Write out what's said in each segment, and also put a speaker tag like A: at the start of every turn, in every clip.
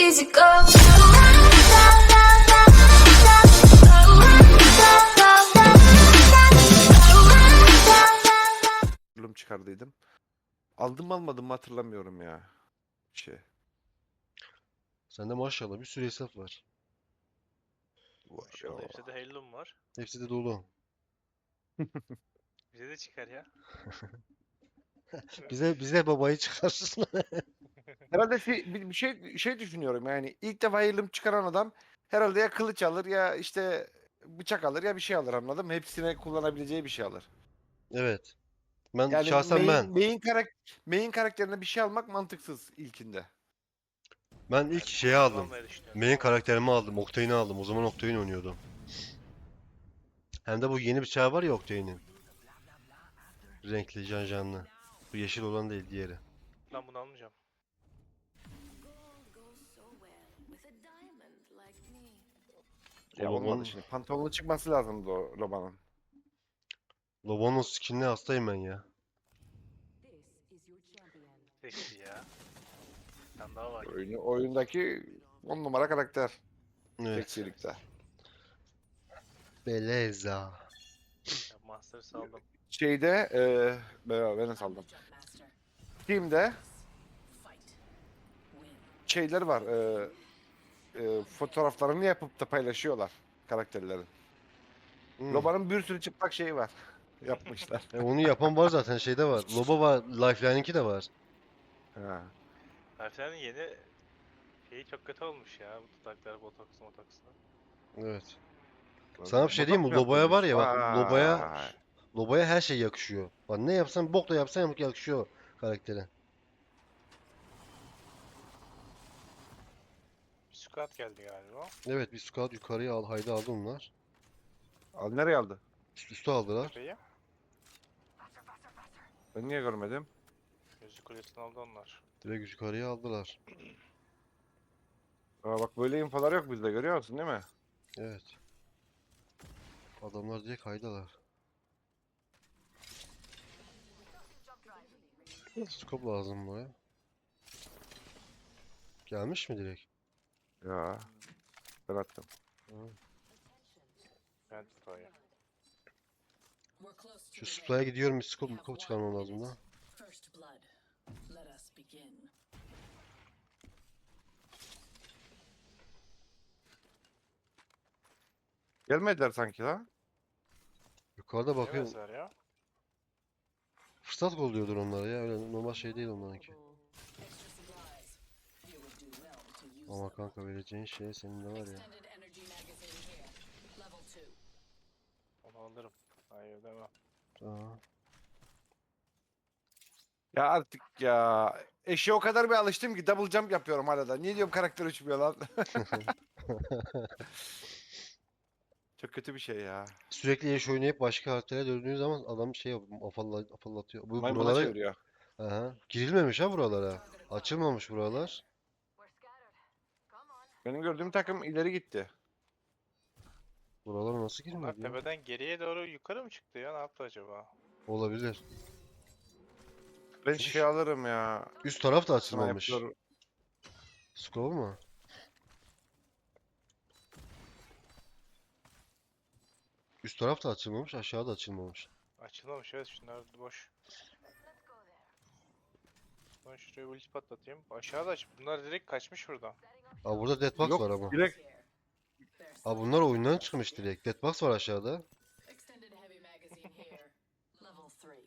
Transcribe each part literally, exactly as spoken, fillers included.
A: easy go.
B: Çıkardıydım. Aldım mı almadım mı hatırlamıyorum ya. Şey.
C: Sende maşallah bir sürü hesap var.
D: Maşallah hepsi de Halo'm var.
C: Hepsi de dolu.
D: Bize de çıkar ya.
C: Bize bize babayı çıkarsın.
B: Herhalde şey, bir bir şey şey düşünüyorum yani ilk defa yılım çıkaran adam herhalde ya kılıç alır ya işte bıçak alır ya bir şey alır, anladın mı? Hepsine kullanabileceği bir şey alır.
C: Evet. Ben
B: Yani
C: şahsen ben.
B: main, main, karak main karakterine bir şey almak mantıksız ilkinde.
C: Ben ilk
D: Ben
C: şeyi aldım.
D: kullanmayı düşünüyorum
C: Main
D: ama
C: karakterimi aldım. Octane'i aldım. O zaman Octane oynuyordum. Hem de bu yeni bıçağı var ya Octane'in. Renkli, janjanlı. Bu yeşil olan değil, diğeri.
D: ben bunu almayacağım.
B: Ya
C: O
B: olmadı
C: Lobon,
B: şimdi. Pantolonlu çıkması lazımdı o Loba'nın.
C: Lobon'un skinine hastayım ben ya.
D: Seksi ya. Bir tane daha var.
B: Oyunu, oyundaki on numara karakter.
C: Evet.
B: Seksilikte.
C: Beleza.
D: Ya Master saldım.
B: Şeyde eee ben ben nasıl aldım? Steam'de şeyler var. Eee eee, fotoğraflarını yapıp da paylaşıyorlar karakterlerin.
C: Hmm.
B: Loba'nın bir sürü çıplak şeyi var. Yapmışlar.
C: E, onu yapan var zaten, şeyde var. Loba var, Lifeline'inki de var.
B: Ha.
D: Harflerin yeni şeyi çok kötü olmuş ya. Bu dudaklar botoks motoksla.
C: Evet. Sana bir şey diyeyim mi?
B: Botoks mu
C: Lobaya var
B: yaptırmış?
C: ya bak, Lobaya
B: Vay.
C: Lobaya her şey yakışıyor. Bak ne yapsan, bok da yapsan yakışıyor karaktere.
D: Bir squat geldi galiba.
C: Evet, bir squad yukarıya al, haydi aldı onlar.
B: Al nereye aldı?
C: Üst üste aldılar.
D: Tepeyi.
B: Ben niye görmedim?
D: Gözü kulesini aldı onlar.
C: Direkt yukarıya aldılar.
B: Aa, bak böyle infolar yok bizde, görüyor musun değil mi?
C: Evet. Adamlar direkt haydalar. Scope lazım buraya. Gelmiş mi direkt?
B: Ya ben attım.
D: Ben tutayım.
C: Şu supply'a gidiyorum, bir scope, scope çıkarmam lazım da.
E: First blood. Let us begin.
B: Gelmediler sanki la.
C: Yukarıda bakıyorum.
D: Yemezler ya.
C: Fırsat kolluyordur onlara ya. Öyle normal şey değil onlarınki.
E: Extra supplies. You would do well to use
C: Ama
E: them.
C: kanka, vereceğin şey senin de var ya.
E: Extended energy magazine here. Level two.
D: Onu alırım. Hayır demem.
C: Aa.
B: Ya artık ya. Eşe o kadar bir alıştım ki double jump yapıyorum hala da. Niye diyorum karakter uçmuyor lan? Çok kötü bir şey ya.
C: Sürekli eş oynayıp başka karaktere döndüğün zaman adam şey yapıyor, afalla, afallatıyor. Bu
B: Maymuna
C: buralara
B: çeviriyor.
C: aha, girilmemiş ha buralara. Açılmamış buralar.
B: Benim gördüğüm takım ileri gitti.
C: Buralara nasıl
D: Bunlar
C: girmedi ya?
D: tepeden geriye doğru yukarı mı çıktı ya? Ne yaptı acaba?
C: Olabilir.
B: Ben şey alırım ya.
C: Üst taraf da açılmamış.
B: Sniper.
C: Scroll mu? Üst taraf da açılmamış, aşağı da açılmamış.
D: Açılmamış evet, şunlar boş. Ben şuraya ulti patlatayım. Aşağıda aç. Bunlar direkt kaçmış buradan.
C: Aa, burada deadbox
B: Yok
C: var ama.
B: direkt
E: There's
C: Aa, bunlar oyundan çıkmış direkt. Deadbox var aşağıda.
E: extended heavy magazine here. Level three.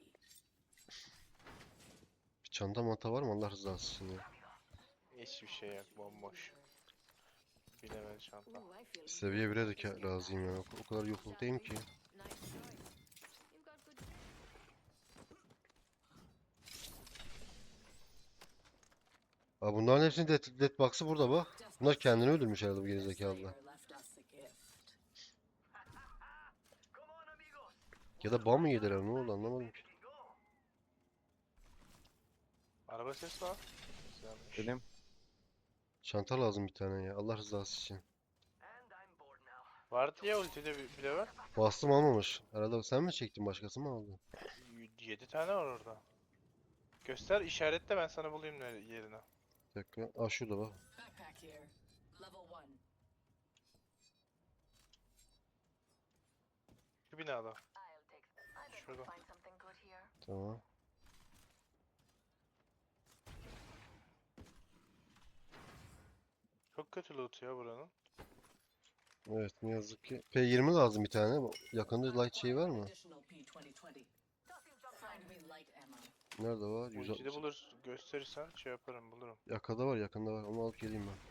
C: Bir çanta manta var mı Allah rızası için ya?
D: Hiçbir şey yok, bomboş. Bilemedi çanta.
C: Seviye bire de ka- razıyım ya. O, o kadar yokluktayım ki. Aa, bunların hepsinin dead, deadbox'ı burada bak. Bunlar kendini öldürmüş herhalde bu gerizekalılar.
E: Slayer left us a gift.
C: Ya da ban mı yediler, ne oldu anlamadım ki.
D: Araba sesi var. Güzelmiş.
B: benim.
C: Çanta lazım bir tane ya, Allah rızası için.
D: Vardı ya ultide bir, bir level.
C: Bastım almamış. Herhalde sen mi çektin, başkası mı aldı?
D: yedi tane var orada. Göster işaretle, ben sana bulayım nere- yerini.
C: Bir dakika. Aa, şurada bak.
E: Backpack here. Level one.
D: Şu binada.
A: I'll take. I bet
D: Şurada.
A: we'll find something good here.
C: Tamam.
D: Çok kötü loot ya buranın.
C: Evet ne yazık ki. P yirmi lazım bir tane. Yakında light şey var mı?
E: Additional P twenty twenty.
A: Tossing jump
E: Find
A: drive.
E: me light ammo.
C: Nerede var?
D: Bu ikide
C: yüz altmış.
D: bulur gösterirsen şey yaparım bulurum.
C: Yakında var, yakında var. Onu alıp geleyim ben.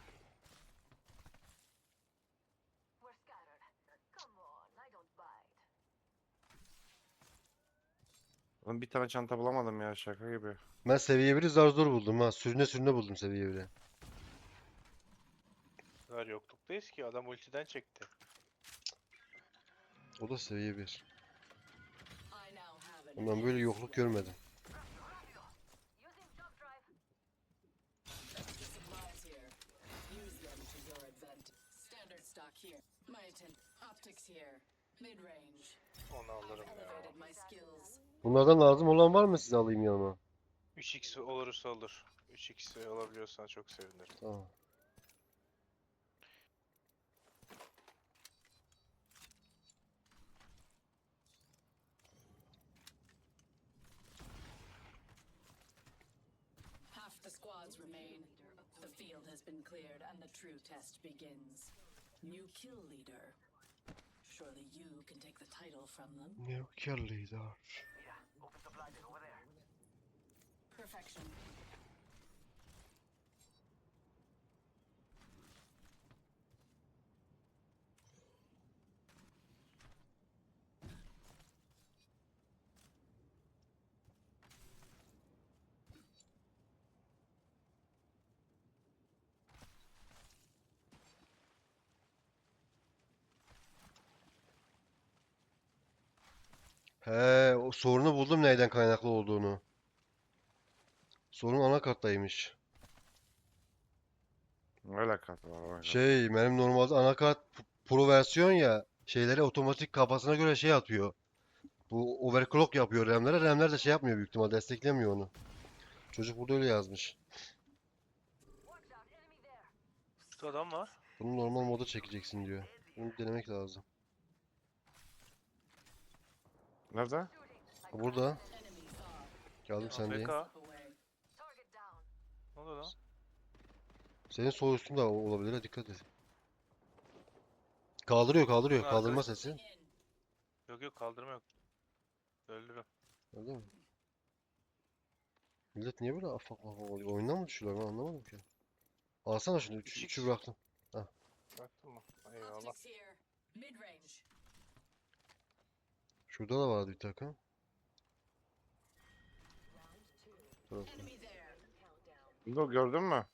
A: We're scattered. Come on, I don't bite.
B: Oğlum bir tane çanta bulamadım ya, şaka gibi.
C: Ben seviye biri zar zor buldum ha. Sürüne sürüne buldum seviye biri.
D: Bu kadar yokluktayız ki adam ultiden çekti.
C: O da seviye bir.
E: I now have an
C: Ben böyle yokluk görmedim.
A: Using jump drive.
E: supplies here. Use them to your advantage. Standard stock here. My atten- optics here. Mid range.
D: Onu
E: I've
D: alırım ya.
E: elevated my skills.
C: Bunlardan lazım olan var mı, size alayım yanıma?
D: üç x olursa olur. üç x alabiliyorsan çok sevinirim.
C: Tamam.
E: Half the squads remain. The field has been cleared and the true test begins. New kill leader. Surely you can take the title from them.
C: New kill leader.
E: Perfection.
C: He, o sorunu buldum neyden kaynaklı olduğunu. Sorun anakarttaymış.
B: Ne alakası var? alakası?
C: Şey, benim normalde anakart p- Pro versiyon ya, şeyleri otomatik kafasına göre şey atıyor. Bu overclock yapıyor RAM'lere. RAM'ler de şey yapmıyor, büyük ihtimal desteklemiyor onu. Çocuk burada öyle yazmış.
A: Watch out, enemy there.
D: Şu adam var.
C: Bunu normal moda çekeceksin diyor. Bunu denemek lazım.
B: Nerede?
C: Ha, burada.
E: Enemy far.
C: Geldim sendeyim.
D: A F K.
E: Up away.
A: Target down.
D: Ne oldu lan?
C: Senin sol üstünde olabilir, ha, dikkat et. Kaldırıyor kaldırıyor.
D: Bunun
C: Kaldırma
D: arkadaş-
C: sesi.
E: In.
D: Yok yok kaldırma yok. Öldürüm.
C: Öyle mi? Millet niye böyle afak afak oluyor? Oyundan mı düşüyorlar, ben anlamadım ki. Alsana şunu. Üç,
D: üç x.
C: üçü bıraktım.
D: Baktın mı? Eyvallah.
E: Optics here. Mid range.
C: Şurada da vardı bir takım. Burası.
E: Enemy there.
B: Dur, gördün mü?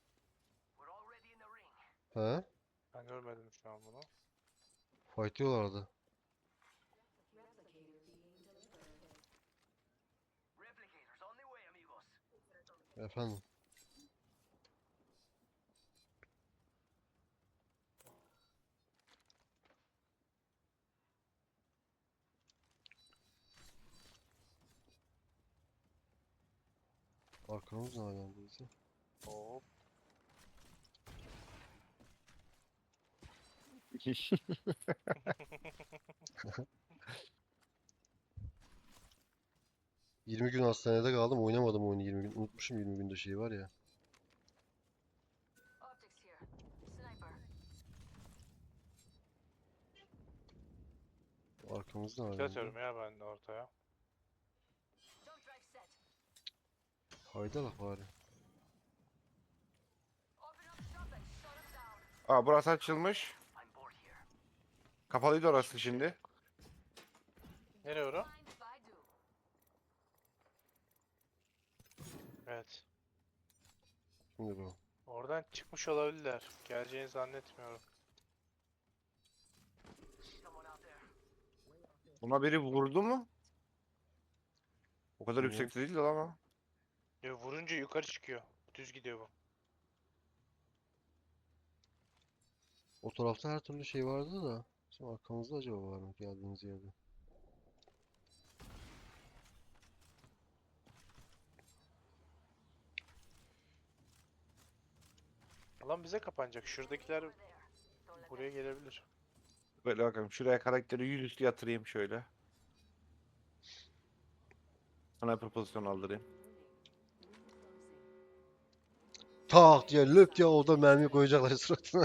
C: He?
D: Ben görmedim şu an bunu.
C: Fightlıyorlardı. Efendim. Arkamız ne alemdeyse.
D: Hop.
C: yirmi gün hastanede kaldım, oynamadım oyunu yirmi gün. Unutmuşum yirmi günde şey var ya.
A: Optics here. Sniper.
C: Arkamızda
D: Kill
C: alemde.
D: atıyorum ya ben de ortaya.
A: Jump drive set.
C: Hayda la bari.
A: Open up shop and shut him down.
B: Aa, burası açılmış. Kapalıydı orası şimdi.
D: Nereye ora?
A: Mind if I do?
D: Evet.
C: Şimdi bu.
D: Oradan çıkmış olabilirler. Geleceğini zannetmiyorum.
B: Buna biri vurdu mu? O kadar
C: Bilmiyorum.
B: yüksekte değildi lan ama.
D: Ya vurunca yukarı çıkıyor. Düz gidiyor bu.
C: O tarafta her türlü şey vardı da. Şimdi arkamızda acaba var mı geldiğimiz yerde?
D: Alan bize kapanacak. Şuradakiler buraya gelebilir.
B: Böyle bakalım. Şuraya karakteri yüzüstü yatırayım şöyle. Sniper pozisyon aldırayım.
C: Tak diye löp diye orada mermi koyacaklar suratına.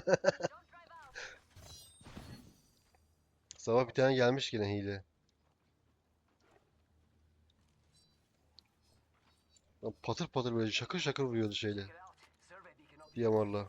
C: Sabah bir tane gelmiş yine hile. Lan patır patır böyle şakır şakır vuruyordu şeyle. D M R'la.
A: I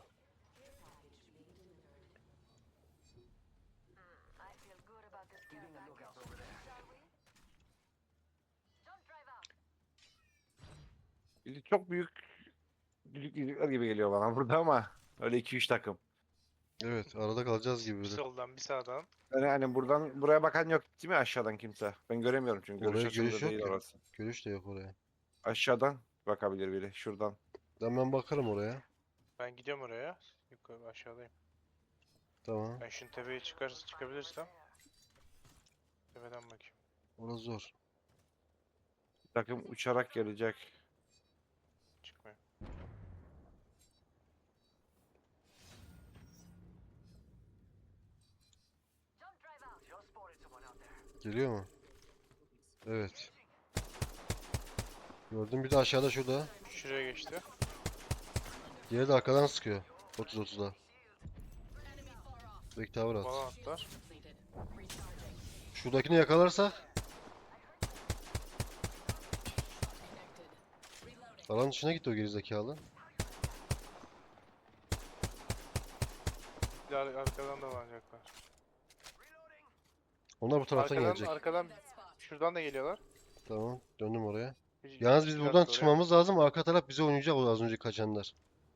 A: feel good about this care package. Shall we? Don't drive out.
B: Bizi çok büyük büyük yüzükler gibi geliyor bana burada ama öyle iki üç takım.
C: Evet, arada kalacağız gibi
D: Bir
C: bir de.
D: soldan bir sağdan.
B: Yani hani buradan buraya bakan yok değil mi aşağıdan kimse? Ben göremiyorum çünkü görüş
C: Oraya
B: açımda
C: görüş yok
B: değil
C: ki.
B: orası.
C: Görüş de yok oraya.
B: Aşağıdan bakabilir biri şuradan.
C: Ben ben bakarım oraya.
D: Ben gidiyorum oraya. Yukarı aşağıdayım.
C: Tamam.
D: Ben şunun tepeye çıkar çıkabilirsem. Tepeden bakayım.
C: Orası zor.
B: Takım uçarak gelecek.
D: Çıkmıyor.
A: Don't drive out. Just spotted someone out there.
C: Geliyor mu? Evet. Gördüm bir de aşağıda şurada.
D: Şuraya geçti.
C: Diğeri de arkadan sıkıyor. otuz otuzda. Back tower at.
D: Bana atlar.
E: Completed. Recharging.
C: Şuradakini yakalarsak
E: Connected. Reloading.
C: alan dışına gitti o gerizekalı.
D: Bir de ar- arkadan da alacaklar.
C: Onlar bu taraftan
D: Arkadan,
C: gelecek.
D: arkadan
E: That spot.
D: şuradan da geliyorlar.
C: Tamam. Döndüm oraya.
D: Bir-
C: Yalnız biz
D: bir
C: buradan
D: attı oraya.
C: çıkmamız lazım. Arka taraf bize oynayacak o az önce kaçanlar.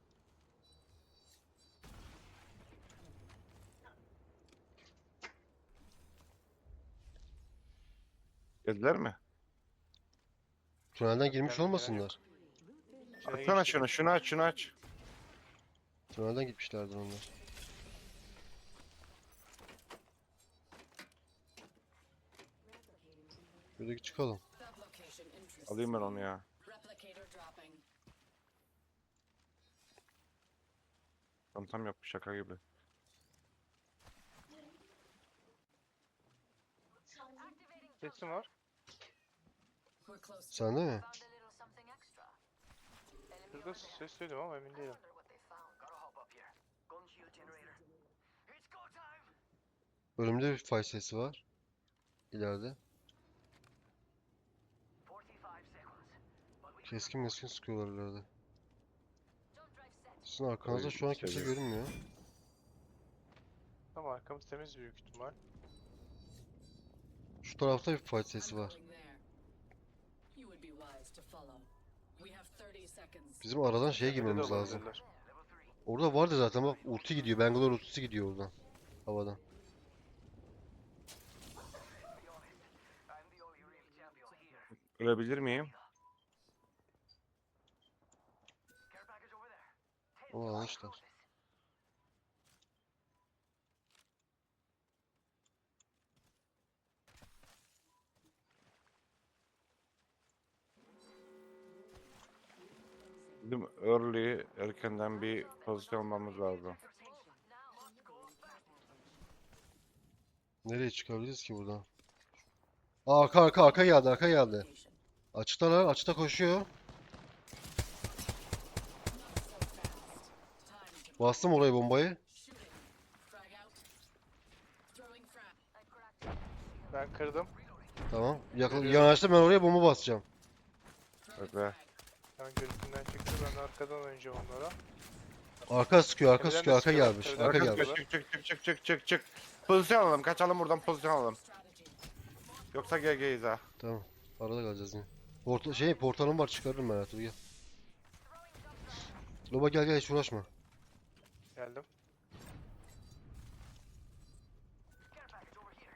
B: Geldiler mi?
C: Tünelden girmiş
D: Gelmediler,
C: olmasınlar.
D: İçeri
B: Açsana
D: geçti.
B: şunu şunu aç şunu aç.
C: Tünelden gitmişlerdir onlar. Şuradaki çıkalım.
E: That location interests
B: Alayım ben
E: me.
B: onu ya.
E: Replicator dropping.
B: Tam yapmış şaka gibi.
D: Sesim var.
E: We're close to
C: Sende mi?
A: Found a little something extra. Enemy
D: Şurada
A: over there.
D: ses duydum ama emin
A: I
D: değilim.
A: wonder what they found. Gotta hop up here. Gun shield generator. It's go time.
C: Önümde bir fay sesi var. İleride.
A: forty-five seconds. But we
C: Keskin meskin sıkıyorlar ileride.
A: don't drive set.
C: Sizin arkanızda
B: Oy,
C: şu an kimse
B: seviyorum.
C: görünmüyor.
D: Ama arkamız temiz büyük ihtimal.
C: Şu tarafta bir fight sesi
E: I'm
C: var.
E: going there. You would be wise to follow. We have thirty seconds.
C: Bizim aradan şeye
D: Tepede de
C: girmemiz lazım.
D: olabilirler.
C: Orada vardı zaten bak ulti gidiyor. Bangalore ultisi gidiyor oradan. Havadan.
A: I'm the only real champion here.
B: Ölebilir miyim?
A: Care package over there.
C: Onu almışlar.
B: Bizim early erkenden bir pozisyon almamız lazım.
C: Nereye çıkabiliriz ki buradan? Aa, arka arka arka geldi arka geldi.
E: Location.
C: Açıktalar açıkta koşuyor.
E: Not so fast. Time to
C: Bastım oraya bombayı.
E: shooting. Frag out. Throwing frag.
A: I cracked it.
D: Ben kırdım.
C: Tamam. Yakın,
D: Görüyorum.
C: yanaştım ben oraya bomba basacağım.
E: Throwing
B: Bekle.
E: frag.
D: Ben gözümden çıktı. Ben arkadan oynayacağım onlara.
C: Arka sıkıyor arka
D: Tepeden de
C: sıkıyor arka
D: sıkıyorlar,
C: gelmiş.
D: tepeden
C: Arka
D: de
C: gelmiş.
D: sıkıyorlar.
B: Çık çık çık çık çık çık çık. Pozisyon alalım kaçalım buradan pozisyon alalım.
E: Strategy.
B: Yoksa G G'yiz ha.
C: Tamam. Arada kalacağız yine. Porta şey portalım var çıkarırım ben Ertuğrul gel. Loba gel gel hiç uğraşma.
D: Geldim.
A: Care package over here.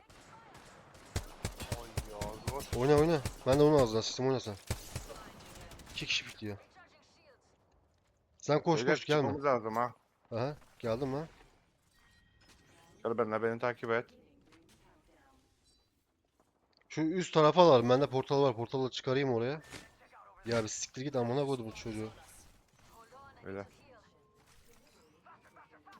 D: Oy ağzıma s-
C: Oyna oyna. Ben de onun ağzına sistem oyna sen. İki kişi bitliyor.
A: Recharging shields.
C: Sen koş
B: Beyler,
C: koş gelme.
B: çıkmamız lazım ha.
C: Aha geldim lan.
B: Gel benimle beni takip et.
C: Şu üst tarafa alalım. Bende portal var. Portalı çıkarayım oraya. Ya bir siktir git amına koydum bu çocuğu.
A: Hold on, I
B: Öyle.
A: need to heal.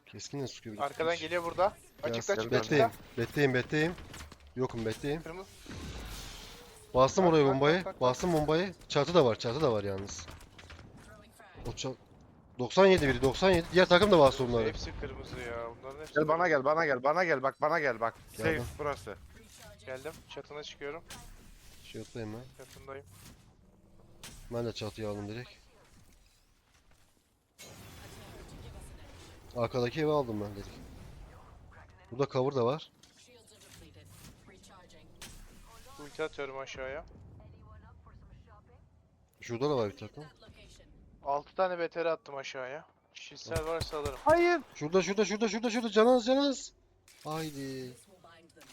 C: Keskin de sıkıyor bir de
F: Arkadan
C: piç.
F: geliyor burada.
C: Gel,
F: Açıkta
C: gel,
F: açıkta
C: betteyim.
F: açıkta.
C: Betteyim betteyim. Yokum betteyim.
F: Kırmızı.
C: Bastım
F: Tak,
C: oraya
F: tak,
C: bombayı.
F: tak, tak, tak.
C: Bastım bombayı. Çatı da var. Çatı da var yalnız.
E: Throwing frag.
C: O çat... doksan yedi biri doksan yedi. Diğer takım da bastı onları.
F: Hepsi kırmızı ya. Bunların hepsi
B: Gel bana
F: kırmızı.
B: gel bana gel bana gel bak bana gel bak. Safe
C: Geldim.
B: burası.
E: Recharging.
F: Geldim. Çatına çıkıyorum.
C: Shield'dayım ben.
F: Çatındayım.
C: Ben de çatıyı aldım direkt.
E: Attempt to give us an edge.
C: Arkadaki evi aldım ben direkt. Burada cover da var.
E: Shields are depleted. Recharging.
F: Ulti atıyorum aşağıya.
C: Şurada da var bir takım.
E: That location.
F: altı tane B T R attım aşağıya. Şişsel varsa alırım.
B: Hayır.
C: Şurada şurada şurada şurada şurada canaz canaz. Haydi.
E: This will bind them.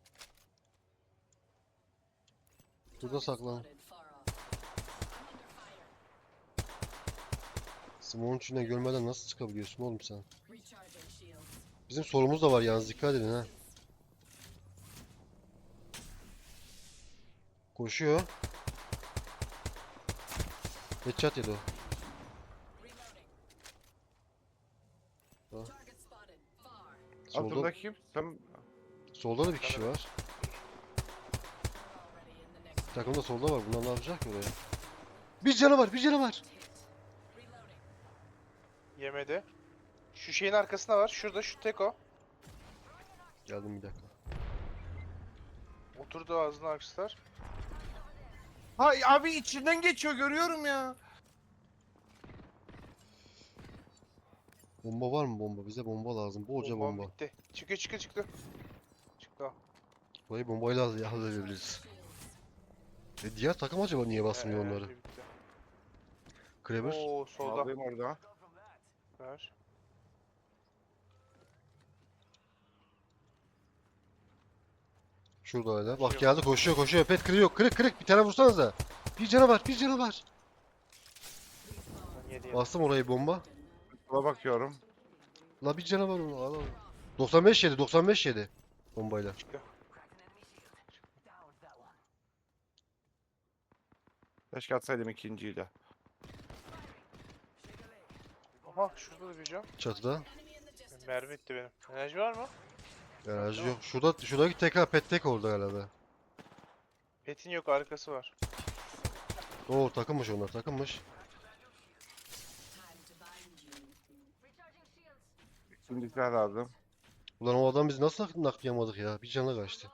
C: Burada saklan.
E: Spotted far off. I'm under fire.
C: Smoke'un içine görmeden nasıl çıkabiliyorsun oğlum sen?
E: Recharging shields.
C: Bizim solumuz da var yalnız dikkat edin ha. Koşuyor. Headshot yedi o.
E: Reloading.
C: Tamam.
E: Target spotted. Far.
C: Solda,
B: Altında kim? Sen
C: solda da bir kişi var.
E: Already in the next
C: Takım da solda var. Bunlar ne yapacak ki oraya? Bir canı var, bir canı var.
E: hit. Reloading.
F: Yemedi. Şu şeyin arkasında var. Şurada şu tek o.
C: Geldim bir dakika.
F: Oturdu ağzına akslar.
B: Hay abi içinden geçiyor görüyorum ya.
C: Bomba var mı bomba? Bize bomba lazım. Bolca
F: Bombam
C: bomba.
F: bitti. Çıkıyor çıkıyor çıktı. Çıktı.
C: Burayı bombayla hall- halledebiliriz. E diğer takım acaba niye basmıyor
F: Ee,
C: onları?
F: bitti.
C: Kraber.
F: Oo solda.
B: Alayım orada.
F: Ver.
C: Şurada hala. Bak
F: Koşuyor.
C: geldi koşuyor koşuyor. Pet kırıyor. Kırık kırık. Bir tane vursanıza. Bir canı var. Bir canı var.
F: Ben yedi yedim.
C: Bastım orayı bomba.
B: Sola bakıyorum.
C: La bir canı var onu. Al al. doksan beş yedi. doksan beş yedi. Bombayla.
F: Çıktı.
B: Keşke atsaydım ikinciyi de.
F: Aha şurada da bir cam.
C: Çatıda.
F: Mermi bitti benim. Enerji var mı?
C: Enerji yok. Şurada şuradaki tekrar pet tek orada herhalde.
F: Petin yok arkası var.
C: Oo takılmış onlar takılmış.
E: Time to bind you.
B: Şimdi silah lazım.
C: Ulan o adam biz nasıl naklayamadık ya? Bir canı kaçtı.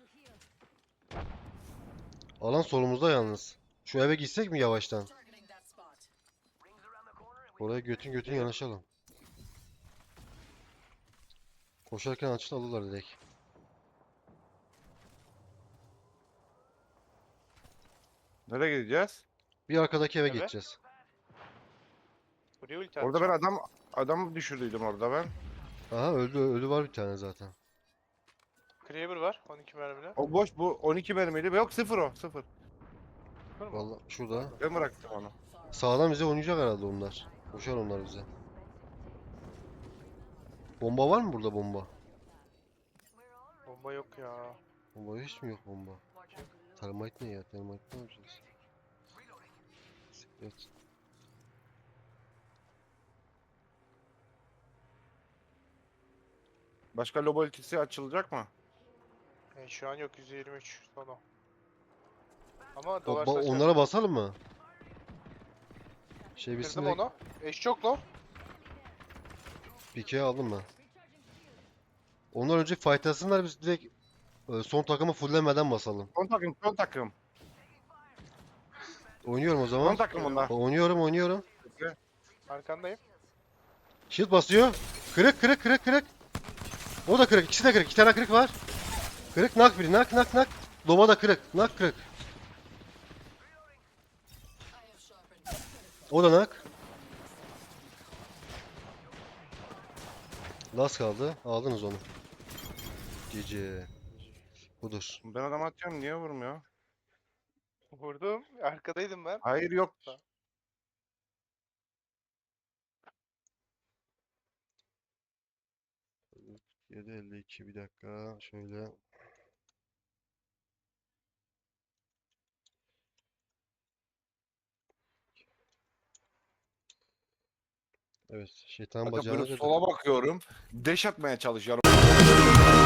C: Alan solumuzda yalnız. Şu eve gitsek mi yavaştan?
E: Targeting that spot.
C: Oraya götün götün yanaşalım. Koşarken açılı alırlar direkt.
B: Nereye gideceğiz?
C: Bir arkadaki eve
F: Evet.
C: geçeceğiz.
F: Buraya ulti
B: Orada ben
F: atacağım.
B: adam adam düşürdüydüm orada ben.
C: Aha öldü öldü var bir tane zaten.
F: Kraber var. on iki mermili.
B: O boş bu on iki mermiydi. Yok sıfır o sıfır.
F: Var mı?
C: Vallahi şurada.
B: Ben bıraktım onu.
E: Far.
C: Sağdan bize oynayacak herhalde onlar. Koşar onlar bize. Bomba var mı burada bomba?
F: Bomba yok ya.
C: Bomba hiç mi yok bomba? Termite ne ya? Termite ne yapacağız? Evet.
B: Başka lobo ultisi açılacak mı?
F: E, şu an yok yüz yirmi üç sonu. Ama
C: Ba-
F: dolar
C: ba-
F: saçar.
C: onlara basalım mı? Şey
F: Kırdım
C: bitsin de
F: onu. Eş çok low.
C: Pike'yi aldım ben. Ondan önce fightlasınlar biz direkt e, son takımı fulllemeden basalım.
B: Son takım son takım.
C: Oynuyorum o
B: Son
C: zaman.
B: takım onlar.
C: Oynuyorum oynuyorum.
F: Arkandayım.
C: Shield basıyor. Kırık kırık kırık kırık. O da kırık. İkisi de kırık. İki tane kırık var. Kırık nak biri. Nak nak nak. Doma da kırık. Nak kırık.
E: I have sharpened.
C: O da nak. Las kaldı. Aldınız onu. Gece. Budur.
B: Ben adam atıyorum niye vurmuyor?
F: Vurdum. Arkadaydım ben.
B: Hayır yok.
C: yedi elli iki bir dakika. Şöyle. Evet, şeytan
B: Kanka
C: bacağına
B: böyle
C: girdi.
B: sola bakıyorum. Deş atmaya çalışıyorum.